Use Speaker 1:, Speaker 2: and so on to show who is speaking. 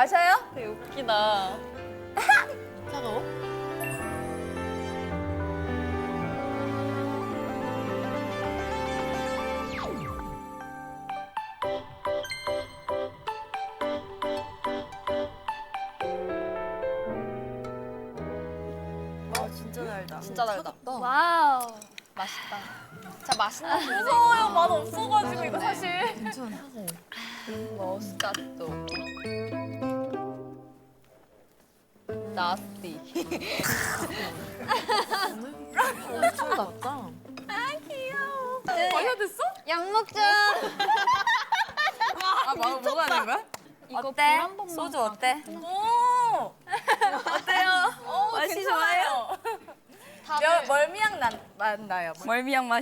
Speaker 1: 마셔요?
Speaker 2: 되게 웃기다.
Speaker 3: 차가워?
Speaker 1: 진짜 달다.
Speaker 2: 진짜 달다.
Speaker 4: 와우.
Speaker 2: 맛있다. 자, 맛있는 거
Speaker 1: 무서워요. 맛 없어가지고 이거 사실.
Speaker 2: 머스카토. 나스티.
Speaker 3: 엄청 낫다.
Speaker 1: 마셔 됐어?
Speaker 4: 약 먹자.
Speaker 1: 아 뭐가 하는 거야?
Speaker 4: 어때?
Speaker 1: 소주 어때? 오 어때요? 맛이 좋아요.
Speaker 2: 다들
Speaker 1: 멀미향 나요.
Speaker 2: 멀미향 맛.